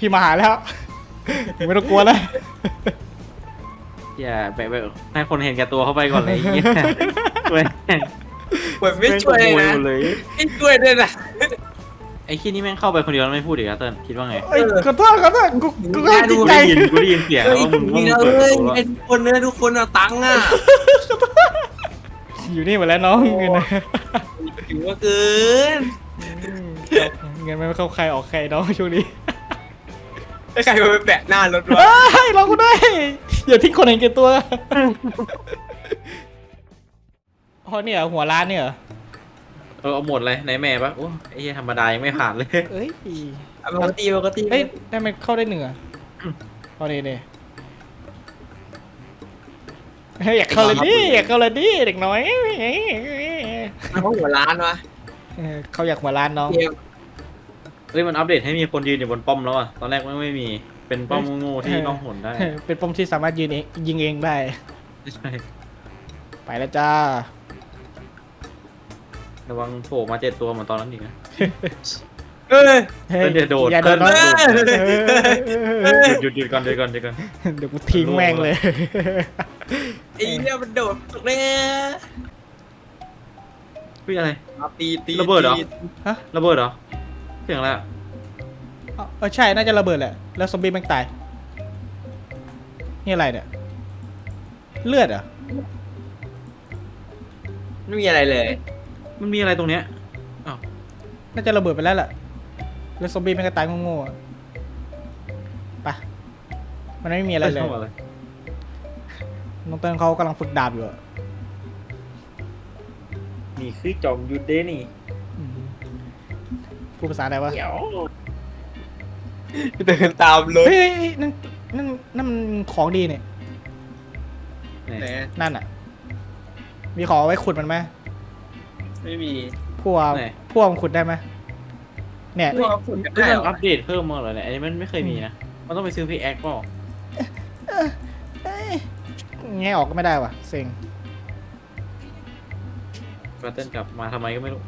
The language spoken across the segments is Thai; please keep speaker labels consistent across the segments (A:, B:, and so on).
A: พี่มาหาแล้วไม่ต้องกลัวแล้ว
B: อย่าไปให้คนเห็นแก่ตัวเข้าไปก่อนเลยเงี้ยช่วย
C: เหมือนไม่ช่วยเลยนะ
B: หมดเลย
C: ไม่ช่วยด้วยนะ
B: ไอ้ขี้นี่แม่งเข้าไปคนเดียวแล้วไม่พูดอีกแล้วเติ้ลคิดว่าไง
A: เอ้ยขอโทษกูก็จริง
B: กู
A: ใจ
B: ได้ยินเสียง
C: เฮ้
B: แล้ว
C: ย
B: ว่ามึง
C: มี
B: ว่า
C: เรา
B: มึงเปิด
C: เลย
B: ประตูแล้ว
C: ไอ้ทุกคนเนี่ยทุกคนเอาตังค์อ่ะ
A: อยู่นี่หมดแล้วน้องเงินนะ
C: ถึงว่าเกิน
A: เงินไม่เข้าใครออกใครน้องช่วงนี้
C: ไอ้ใครมาไปแปะหน้ารถวะ
A: เฮ้ยเราก็ได้อย่าทิ้งคนเห็นแก่ตัวอ๋อเนี่ยหัวร้านเนี่ยเหรอ
B: เอาหมดเลยไหนแม่ปะโอ้ไอ้เหี้ยธรรมดายังไม่ผ่านเลย
A: เอ้ย
C: ปกติปกติ
A: เฮ้ยได้มันเข้าได้หนึ่งอ่ะเอาเนี่ยเฮ้ยอยากเข้าเลยดิอยากเข้าเลยดิเด็กน้อย
C: เขาหัวร้านวะ
A: เขาอยากหัวร้านน้อง
C: เกม
B: เฮ้ยมันอัปเดตให้มีคนยืนอยู่บนป้อมแล้วอ่ะตอนแรกไม่มีเป็นป้อมโง่ๆที่ต้องหนได้
A: เป็นปมที่สามารถยืนเองยิงเองได้
B: ใช่
A: ไปแล้วจ้า
B: ระวังโผล่มา7 ตัวเหมือนตอนนั้นอีกนะ
C: เอ้ย
A: เฮ้ย
B: เดี๋ยวโดด
A: อย่าโดนน้อง
B: หยุดก่อน
A: เดี๋ยวกูทิ้งแม่งเลย
C: ไอ้เนี่ยมันโดดตกเนี่ย
B: เฮ้ยอะไร
C: ตี
B: ระเบิดเหรอ
A: ฮะ
B: ระเบิดเหรอเสียงอะไรอะ
A: ใช่น่าจะระเบิดแหละแล้วซอมบี้แม่งตายนี่อะไรเนี่ยเลือดเหรอ
C: ไม่มีอะไรเลย
B: มันมีอะไรตรงเนี้ย
A: น่าจะระเบิดไปแล้วแหละแล้วซอมบี้แม่งก็ตายโง่ๆอะไปมันไม่มีอะไรเลย
B: อะไร
A: น้องเติ้ลเขากำลังฝึกดาบอยู่อะ
B: นี่คือจอมยุทธเดนี่
A: อืมพูดภาษาอะไรวะ
B: เดี๋ยว
C: เดินตามรถ
A: เฮ้ยนั่นมันของดีเนี่ย
C: ไหน
A: นั่นอ่ะ มีของเอาไว้ขุดมันไหม
C: ไม่มี
A: พวกมันขุดได้ไหมเนี่ย
C: พวกฝุ่น
B: เรื่
C: ได้
B: อง
C: เหรอ
B: อัปเดตเพิ่มมาเหรอเนี่ยอันนี้มันไม่เคยมีนะ มันต้องไปซื้อพีแอคเปล่า
A: แงะออกก็ไม่ได้ว่ะเซ็ง
B: กระเต้นกลับมาทำไมก็ไม่รู้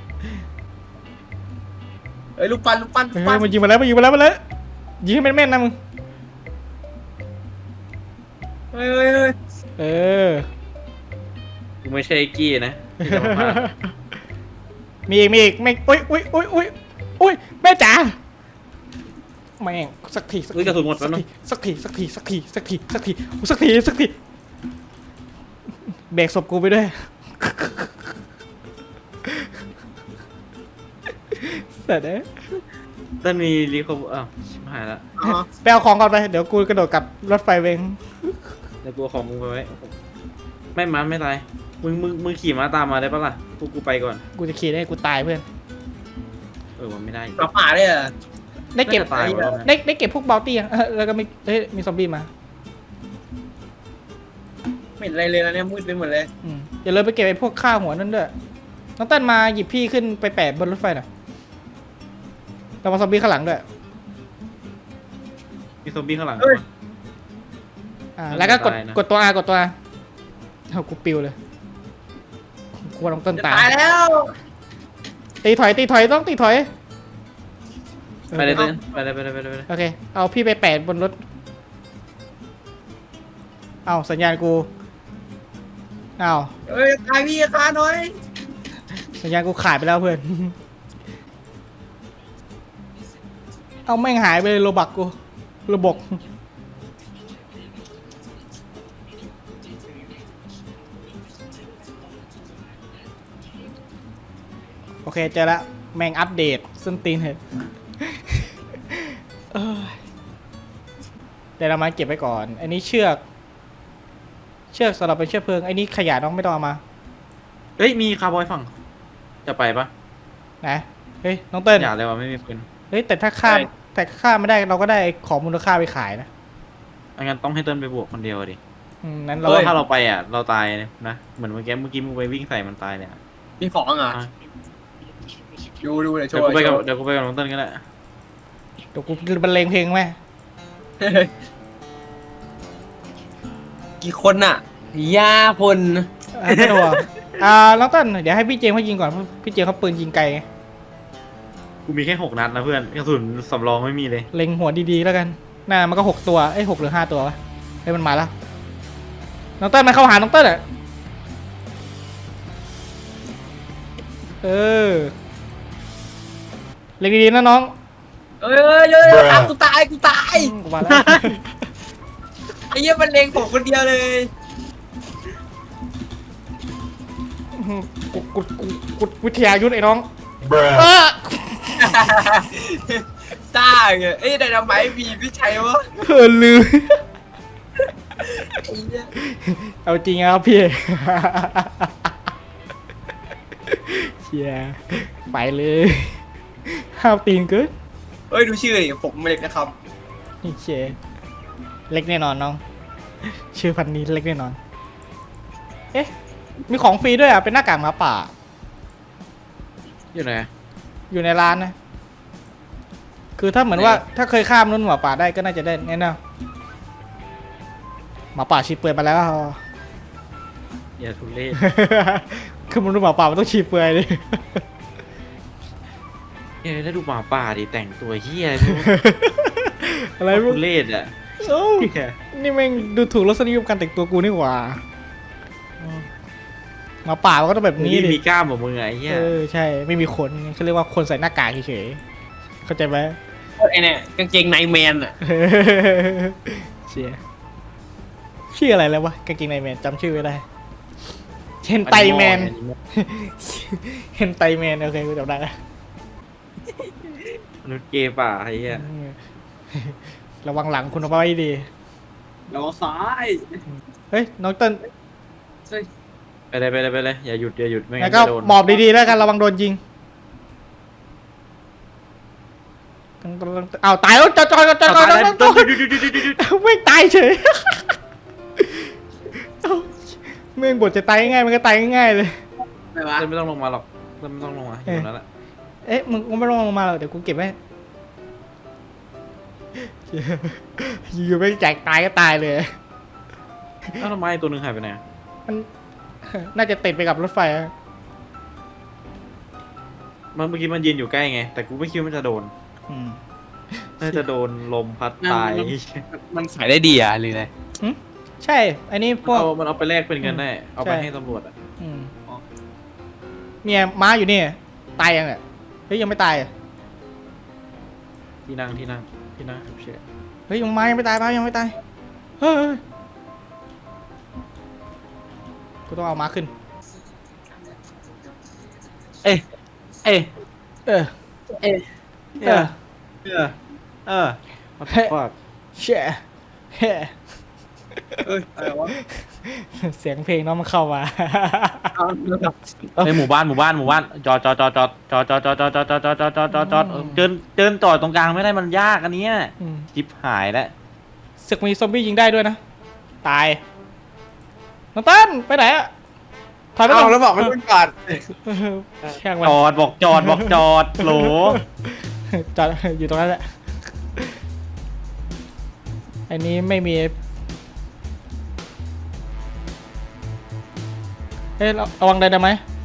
C: เอ้ยลูกปั้น
A: เฮ้ยมันยิงมาแล้วยิงให้แม่นๆนะมึง
C: เฮ้ย
A: เออ
B: กูไม่ใช่ไอ้กี้นะที่จะมาพา
A: มีอีกไม่อุ้ยแม่จ๋าแม่งสักที
B: กระสุนหมดแล้วเนาะ
A: สักทีเบรกศพกูไปด้วยเสร็จแล้ว
B: ต้นมีรีคอร์อ้าวชิบหายละ
C: อ๋อ
A: ไปเอาของก่อนไปเดี๋ยวกูกระโดดกลับรถไฟเวง
B: ในตัวของมึงไปไว้ไม่มาไม่ตายมึงขี่ม้าตามมาได้ปะล่ะกูไปก่อน
A: กูจะขี่ได้กูตายเพื่อน
B: มันไม่ได้
C: กระป๋าเลยอ่ะ
A: ได้เก็บ
B: น่าจะตายหมดแล้วนะ
A: ได้เก็บพวกบอลตี้อ่ะแล้วก็มีซอมบี้มา
C: ไม่เห็นอะไรเลยนะเนี่ยมืดไปหมดเลย
A: อย่าลืมไปเก็บไอ้พวกข้าวหัวนั่นด้วยน้องเต้นมาหยิบพี่ขึ้นไปแปะบนรถไฟหน่อยเรามาซอมบี้ข้างหลังด้วย
B: มีซอมบี้ข้างหลัง
A: แล้วก็กด
B: ตายนะ
A: กดตัว R เอากูปิวเลยกูว่าน้องเต้น
C: จะ
A: ตาย
C: ตายแล้ว
A: ตีถอยต้องตีถอย
B: ไปเลยเต้นไปเลย
A: โอเคเอาพี่ไปแปะบนรถเอาสัญญาณกูเอา
C: เอ้ยตายพี่คาหน่อย
A: สัญญาณกูขาดไปแล้วเพื่อน เอาแม่งหายไปเลยโลบักกูระบบโอเคเจอละแม่งอัปเดตส้นตีนเหรอเดี๋ยวเรามาเก็บไว้ก่อนอันนี้เชือกสำหรับเป็นเชือกเพลิงไอ้นี่ขยะน้องไม่ต้องเอามา
B: เฮ้ยมีคาร์บอยฝั่งจะไปปะ
A: นะเฮ้ยน้องเติ้ล
B: อย่าเลยว่ะไม่มีปืน
A: เฮ้ยแต่ถ้าฆ่าไม่ได้เราก็ได้ของมูลค่าไปขายนะ
B: งั้นต้องให้เต้นไปบวกคนเดียวดิ
A: นั้น
B: เพ
A: เรา
B: ราะว่าถ้าเราไปเราตายนะเหมือนเมื่อกี้มึงไปวิ่งใส่มันตายเนี่ย
C: มีของอ่ะดูเดี๋ยวโช
B: เดี๋ยว
C: ว์
B: กูไปกับน้องเต้นก็ได้
A: เดี๋ยวกูบรรเลงเพลงไหม
C: กี่คนอ่ะย่าพล
A: ไม่ต้องห่วงน้องเติ้ลเดี๋ยวให้พี่เจมส์เขายิงก่อนเพราะพี่เจมส์เขาปืนยิงไกลไง
B: กูมีแค่6 นัดนะเพื่อนกระสุนสำรองไม่มีเลย
A: เล็งหัวดีๆแล้วกันน่ามันก็6 ตัวเอ้ย6 หรือ 5 ตัววะเฮ้ยมันมาแล้วน้องเต้นมาเข้าหาน้องเต้นอ่ะเออเล็งดีๆนะน้อง
C: เอ้ยตามกูตายกูตาย
A: กูมาแล้ว
C: ไอ้เหี้ยมันเล็งผมคนเดียวเลย
A: กูวิทยายุทธไอ้น้อง
D: Bruh.
A: เออ
C: ซ่าไงเอ้ยไดนาไมต์มีไม่ใช่วะ
A: เออลืม
C: ไอ้เหี้ย
A: เอาจริงครับพี่ เชียไปเลยห้าวตีนเกิน
C: เอ้ยดูชื่อดิผมเล็กนะครับ
A: นี่เชียเล็กแน่นอนน้อง ชื่อพันนี้เล็กแน่นอน เอ๊ะ มีของฟรีด้วยอ่ะ เป็นหน้ากากหมาป่า
B: อยู่ไหน
A: อยู่ในร้านนะ คือถ้าเหมือนว่าถ้าเคยข้ามนุ่นหมาป่าได้ก็น่าจะได้แน่นอนหมาป่าชีเปลือยมาแล้ว
B: อย่าทุเรศ
A: คือมันนุ่นหมาป่ามันต้องชีเปลือยดิ
B: เฮ้ยแล้วดูหมาป่าดิแต่งตัวเฮีย
A: อะไร
B: ทุ
A: มึง
B: เรศอ่ะ
A: เอ้า
B: เหี้ย
A: นี่แม่งดูถูกรสนิยมการแต่งตัวกูนี่หว่าหมาป่ามันก็ต้องแบบนี้
B: นี่
A: ดิ
B: มีกล้ามแบบมึงไงไอ้เฮีย
A: เออใช่ไม่มีขนเขาเรียกว่าคนใส่หน้ากากเฉยๆเข้าใจไหม
C: ไอ้เนี่ยกางเกงไนแมนอ่ะ
A: เชียชื่ออะไรแล้ววะกางเกงในแมนจำชื่อไม่ได้เฮนไตแมนเฮนไตแมนโอเคกูจำได้แล้ว
B: มนุษย์เกย์ป่าไอ้เฮีย
A: ระวังหลังคุณเอาไว้ดี
C: แล้วซ้าย
A: เฮ้ยน้องเติ้ล
C: เฮ้ย
B: ไปเลยอย่าหยุดไม่
A: แล้
B: งั้
A: วน ก็
B: จะโดน
A: หมอบดีๆแล้วกันระวังโดนยิงเอาตายแล้วจอด
B: เอาตายแล้วต้น
A: ไม่ตายเฉยเอ้าเมื่อบทจะตายง่ายๆมันก็ตายง่ายๆเลย
C: ไม่วะ
B: ไม่ต้องลงมาหรอกเต้นไม่ต้องลงมาอยู่นั่นแหละ
A: เอ๊ะมึงไม่ต้องลงมาหรอกเดี๋ยวกูเก็บไว้อยู่ไม่แจกตายก็ตายเลย
B: แล้วทำไมตัวหนึงหายไปไหนอะ
A: มัน น่าจะติดไปกับรถไฟอะ
B: มันเมื่อกี้มันยืนอยู่ใกล้ไงแต่กูไม่คิดว่ามันจะโดน
A: อืม
B: น่าจะโดนลมพัดตาย
C: มันขายได้ดีอ่ะหรือไง
A: ใช่อันนี้พวก
B: มันเอาไปแลกเป็นเงินได้เอาไป
A: ใช่
B: ให้ตำรวจอ่ะ
A: อืมเนี่ยม้าอยู่นี่ตายยังเนี่ยเฮ้ยยังไม่ตายอ่ะ
B: ที่นั่งฉุกเฉิน
A: เฮ้ยม้ายังไม่ตายม้ายังไม่ตายเฮ้ยกูต้องเอาม้าขึ้น
B: เอ๊ะ
A: เออ
B: เออ
A: เออ
B: what the fuck
A: แช่แฮ่
C: เอ้ยอะไรวะ
A: เสียงเพลงน้องมันเข้ามา
B: ในหมู่บ้านจอดเดินต่อตรงกลางไม่ได้มันยากอันเนี้ย
A: อืม
B: จิบหายแล้ว
A: ศึกมีซอมบี้ยิงได้ด้วยนะ ตายน้องเต้นไปไหนอะถอยไปก่
C: เอา
A: อน
C: แล้วบอกไม่เป็นก่อน
A: ช่างมัน
B: บอกจอดโหล
A: จอดอยู่ตรงนั้นแหละ อันนี้ไม่มี เฮ้ยระวังได้ไหม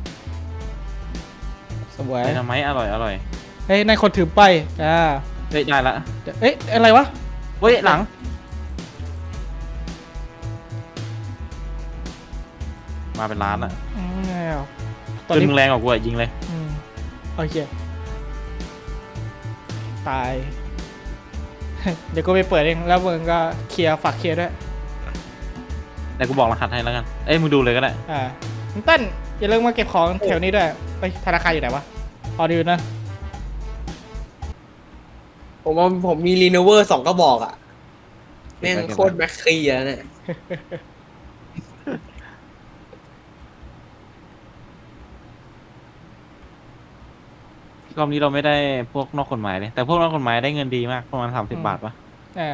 A: สวย
B: ไดนาไมต์อร่อย
A: เฮ้ยนายคนถือป้ายอ่า
B: เฮ้ยได้ละ
A: เอ๊ะอะไรวะ
B: เฮ้ยหลังมาเป็นล้านอ่ะ
A: อืมแล้วต
B: จ
A: อน
B: น
A: นี้
B: มึงแรงกว่ากูอ่ะยิงเลย
A: อืมโอเคตาย เดี๋ยวกูไปเปิดเองแล้วมึงก็เคลียร์ฝากเคลียร์ด้วย
B: แต่กูบอกรหัสให้แล้วกันเอ้ยมึงดูเลยก็ได้
A: อ่าน้องเต้นอย่าลืมมาเก็บของแถวนี้ด้วยไปธนาคารอยู่ไหนวะออดีนะ
C: ผมมีรีโนเวอร์2 กระบอกอ่ะแม่งโคตรแม็กคีอ่ะเนี่ย
B: รอบนี้เราไม่ได้พวกนอกกฎหมายเลยแต่พวกนอกกฎหมายได้เงินดีมากประมาณ30 บาทปะ
A: อ่า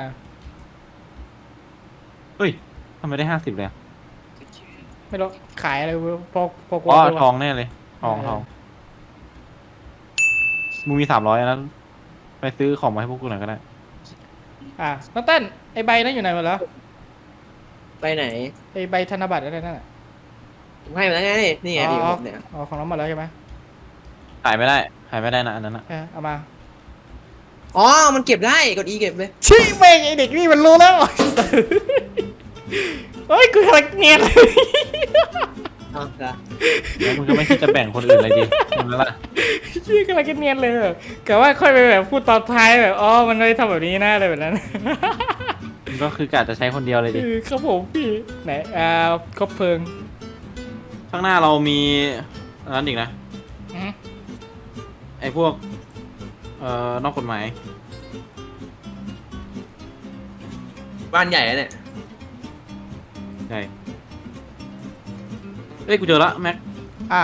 B: เฮ้ยทำไมได้50เลยอะ
A: ไม่รู้ขายอะไรพวก
B: อ๋อ
A: ไม่รู้
B: ทองแน่เลยทองมึงมี300นะไปซื้อของมาให้พวกกูหน่อยก็ได้
A: อ่าน้องเต้นไอใบนั้นอยู่ไหนหมดแล้ว
C: ไปไหน
A: ไอใบธนบัตรอะไรนั่นน่ะ
C: ผมให้มาแล้วไงนี่ไงที่ผมเนี่ย
A: อ๋อของน้องหมดแล้วใช่ไหม
B: ขายไม่ได้นะอันนั้นนะ
A: เอามา
C: อ๋อมันเก็บได้กด E เก็บเลย
A: ชี้แม่งไอเด็กนี่มันรู้แล้วเฮ้ยกูกำลังเนียนเลย
C: เอาละ
B: แล้วมึงก็ไม่คิดจะแบ่งคนอื่นเลยดิใช่ไหมล่ะ
A: ชี้กำลังเนียนเลยแบบกะว่าค่อยไปแบบพูดตอนท้ายแบบอ๋อมันไม่ได้ทำแบบนี้นะอะไรแบบนั้น
B: มึงก็คือกะจะใช้คนเดียวเลยดิ
A: ครับผมพี่ไหนคบเพลิง
B: ข้างหน้าเรามีอันนั้นอีกนะ
A: อืม
B: ไอ้พวกนอกกฎหมาย
C: บ้านใหญ่อะเนี่ย
B: ใช่เอ้ยกูเจอละแม็ก
A: อ่า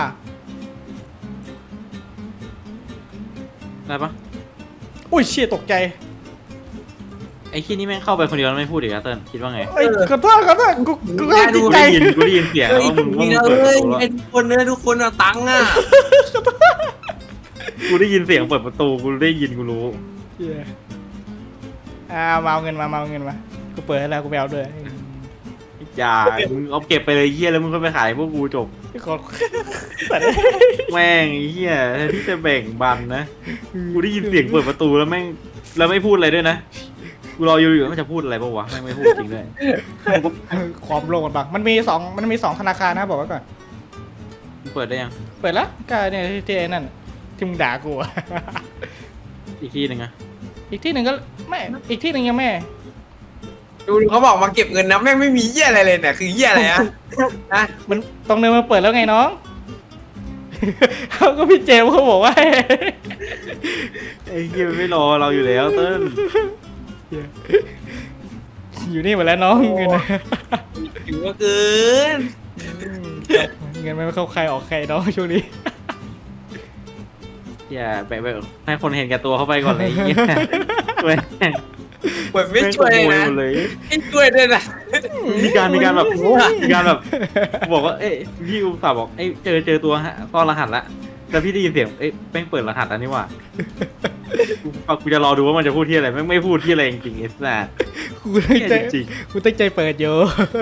B: ได้ปะ
A: อุ้ยเชี่ยตกใจ
B: ไอ้ขี้นี่แม่งเข้าไปคนเดียวแล้วไม่พูดอีกอะเติ้ลคิดว่าไง
A: เอ้ยขอโทษกูก็ติด
B: กู
A: ใจ
B: ได้ยินเสียง
C: เฮ้
B: แล้ว
C: ย
B: ว่ามึง
C: จริงๆ
B: ว่า
C: นะ
B: มึงเปิด
C: เอ้ย
B: ประตูแล้ว
C: ไอ้ทุกคนเนี่ยทุกคนเอาตังค์อ่ะ
B: กูได้ยินเสียงเปิดประตูกูได้ยินกูรู้
A: เชี่ยมาเอาเงินมากูเปิดให้แล้วกูไปเอาด้วย
B: อย่ามึงเอาเก็บไปเลยเหี้ยแล้วมึงก็ไปขายพวกกูจบ
A: ขอแต่
B: แม่งไอ้เหี้ยแทนที่จะแบ่งบันนะกูได้ยินเสียงเปิดประตูแล้วแม่งแล้วไม่พูดอะไรด้วยนะกูรออยู่ว่ามันจะพูดอะไรป่าวะแม่งไม่พูดจริงด้วย
A: ความโลภบังมันมีสองธนาคารนะบอกไว้ก่อน
B: มึงเปิดได้ยัง
A: เปิดแล้วก็เนี่ยที่ไอ้นั่นที่มึงด่ากูอะ
B: อีกที่หนึ่งอะ
A: อีกที่หนึ่งก็ไม่อีกที่หนึ่งยังไม่
C: ดูเขาบอกมาเก็บเงินนะแม่งไม่มีเหี้ยอะไรเลยเนี่ยคือเหี้ยอะไรอะนะ
A: มันตรงเนินมันเปิดแล้วไงน้อง เขาก็พี่เจมส์เขาบอกว่า
B: ไอ้เหี้ยมันไม่รอเราอยู่แล้วเติ้ล
A: อยู่นี่หมดแล้วน้องเงิน
C: ถือว่าเกิน
A: เงินไม่เข้าใครออกใครน้องช่วงนี้
B: อย่าไปให้คนเห็นแก่ตัวเข้าไปก่อนเลยไอ้เหี้ยช่วย
C: เปิดไม่ช่วยเลยนะ
B: แม่งขโมหมดเลย
C: ไม่ช่วยด้วยนะ
B: มีการแบบบอกว่าเอ้ยพี่อุตส่าห์บอกเอ้ยเจอตัวซ่อนรหัสละแล้วพี่ได้ยินเสียงเอ้ยแม่งเปิดรหัสแล้วนี่หว่ากูจะรอดูว่ามันจะพูดที่อะไรแม่งไม่พูดที่อะไรจริงๆไอ้สัส
A: กูตั้งใจ
B: จริง
A: กูตั้งใจเปิดอยู่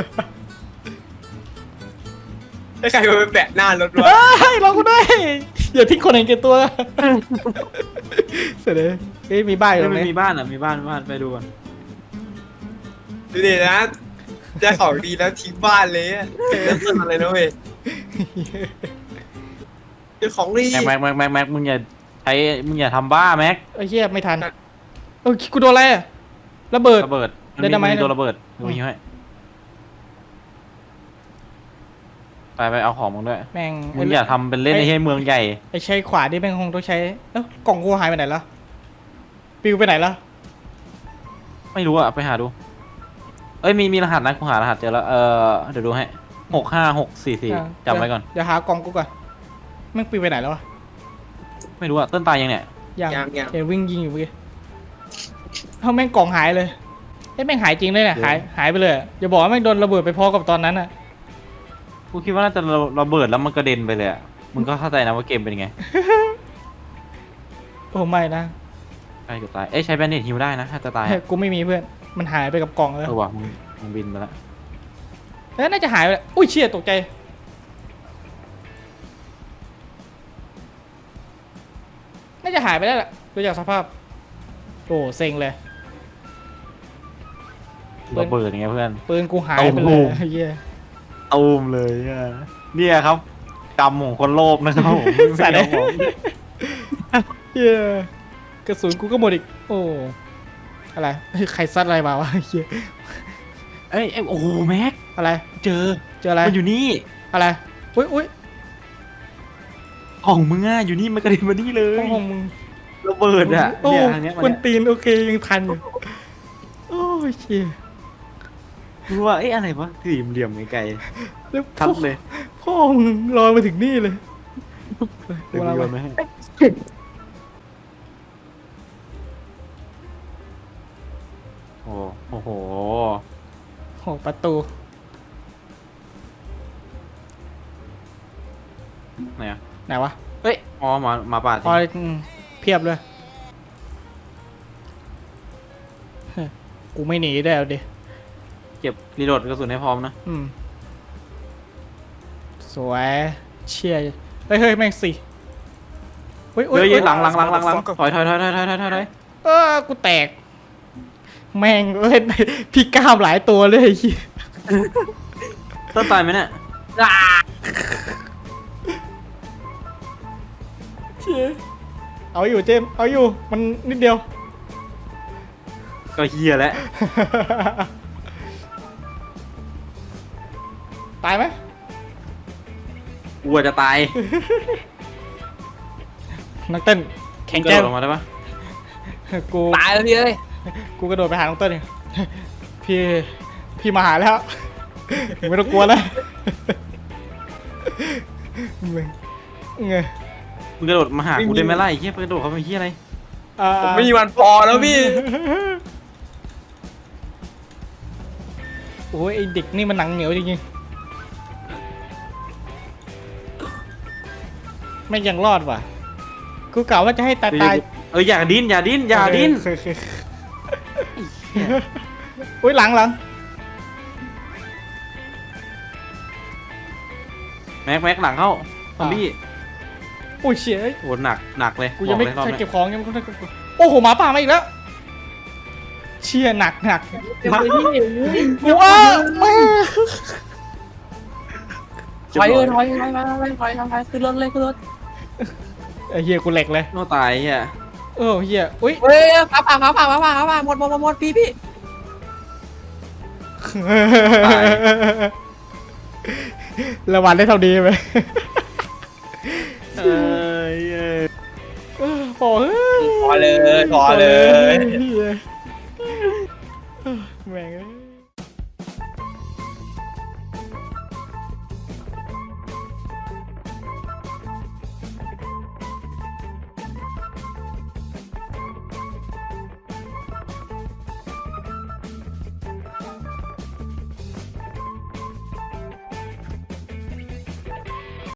C: ถ้าใครมาไปแปะหน้ารถวะ
A: เฮ้ยรอกูด้วยอย่าทิ้งคนเห็นแก่ตัว เสร็จเลยเฮ้ยมีบ้านอยู่ตรง
B: ไม่
A: นี้
B: มีบ้านอ่ะมีบ้านไปดูก่อน
C: ดูดินะจะของดีแล้วทิ้งบ้านเลยอะเริ่มต้นอะไรนะเว้ยเจอของดี
B: แม็กมึงอย่าทำบ้าแม็ก
A: ไอ้เหี้ยไม่ทันเออกูโดนอะไรอะระเบิด
B: ระเบิด
A: เดี๋ยวทำไม
B: ตัวระเบิดมึงมีให้ไปเอาของมึงด้วย
A: แม่ง
B: มึงอย่าทำเป็นเล่นในเมืองใหญ่
A: ไอ้ใช้ขวาที่แม่งคงต้องใช้แล้วกล่องกูหายไปไหนแล้วปิวไปไหนแล้ว
B: ไม่รู้อ่ะไปหาดูเอ้ยมีรหัสนะกูหารหัสเจอแล้วเดี๋ยวดูให้65644จำไว้ก่อน
A: เดี๋ยวหากล่องกูก่อนแม่งปิวไปไหนแล้ววะ
B: ไม่รู้อ่ะต้นตายยังเนี่ย
C: ยัง
A: เห็นวิ่งยิงอยู่เมื่อกี้เขาแม่งกล่องหายเลยไอ้ยแม่งหายจริงเลยเนี่ยหายไปเลยอะอย่าบอกว่าแม่งโดนระเบิดไปพอกับตอนนั้นอะ
B: กูคิดว่าน่าจะระเบิดแล้วมันกระเด็นไปเลยอ่ะมึงก็เข้าใจนะว่าเกมเป็นยังไง
A: โอ้ไม่นะ
B: ใกล้จะตายเอ้ยใช้แบนเนตฮิวได้นะถ้าจะตาย
A: กูไม่มีเพื่อนมันหายไปกับกล่องเลย
B: ว่ะมึงบินไปแล้ว
A: แล้วน่าจะหายไปแล้วอุ้ยเชี่ยตกใจน่าจะหายไปแล้วแหละดูจากสภาพโอ้เซ็งเลย
B: ระเบิดยังไงเพื่อน
A: ปืนกูหายไปเล
B: โอ้
A: ย
B: โห
A: เหี้ย
B: ตูมเลยอ่ะเนี่ยครับกรรมของคนโลภนะครับผม
A: สัตว์
B: ไม่เอาของ
A: เหี้ยกระสุนกูก็หมดอีกโอ้อะไรเฮ้ยใครซัดอะไรมาวะเหี้ย
B: เอ้ยโอ้โหแม็ก
A: อะไร
B: เจอ
A: เจออะไร
B: มันอยู่นี่
A: อะไรอุ้ย
B: ของมึงอ่ะอยู่นี่มันกระเด็นมานี่เลย
A: ห้องมึง
B: ระเบิดอ่ะ
A: โอ้
B: เนี่ยทางเนี้ย
A: คนตีนโอเคยังทันอยู่โอ้ยเชี่ย
B: รู้ว่าเอ้ยอะไรวะถือเหลี่ยมไกล
A: แล้ว
B: ๆทัดเลย
A: พ่อมึงลอยมาถึงนี่เลย
B: เดี๋ยวกูโยนมาให้โอ้โห
A: โอ้ประตู
B: ไหนอ่ะ
A: ไหนวะ
B: เอ้ยอ๋อมาป่า
A: พอเพียบเลยเฮ้ยกูไม่หนีได้เอาดิ
B: เก็บรีโหลดกระสุนให้พร้อมนะ
A: สวยเชี่ยเฮ้ยแม่งสิโอ้ย
B: เฮ้ย
A: โอ้ย
B: หลังถอย
A: กูแตก แม่งเล่นพี่ก้ามหลายตัวเลยไอ้เหี้ย
B: ต้นตายไหมเนี่ย
A: เชี่ยเอาอยู่เจมส์เอาอยู่มันนิดเดียว
B: ก็เฮียแล้ว
A: ตายไหม
B: กลัวจะตาย
A: นักเต้นแข็ง
B: กระ
A: แกร่
B: โด
A: ง
B: ดลงมาได้ปะ
A: กู
C: ตายแล้วพี่เอ้ย
A: กูกระโดดไปหาน้องเต้นเนี่ยพี่มาหาแล้วไม่ต้องกลัวแล้วมึงไง
B: มึงกระโดดมาหากูได้ไหมล่ะไอ้เฮียกระโดดเขาเป็นเฮียอะไร
C: ผมไม่มีวันพอแล้วพี่
A: โอ้ยไอเด็กนี่มันหนังเหนียวจริงๆไม่ยังรอดว่ะกูกล่าวว่าจะให้ตาย
B: อย่าดิ้น
A: อุ้ยหลัง
B: แม็กหลังเข้าซอมบี้
A: อุ้ยเชี่ย
B: โหหนักเลย
A: กูยังไม่
B: บอกเลยรอบ
A: ทัน
B: นี้
A: เก็บของยังไม่ทันเก็บของโอ้โหหมาป่ามาอีกแล้วเชี่ยหนักกูว่าแม่
C: ถอยขึ้นรถเลยขึ้นรถ
A: ไอ้เฮียกูเหล็กเลย
B: โน่ตายเฮีย
A: เฮียอุ้ย
C: เฮ้ยฟ้าผ่าหมดพี่
A: ระวังได้เท่าดีไหม
B: เอ้ย
A: พอเฮ้ย
C: พอเลย
A: เหี้ยแม่งเอ้ย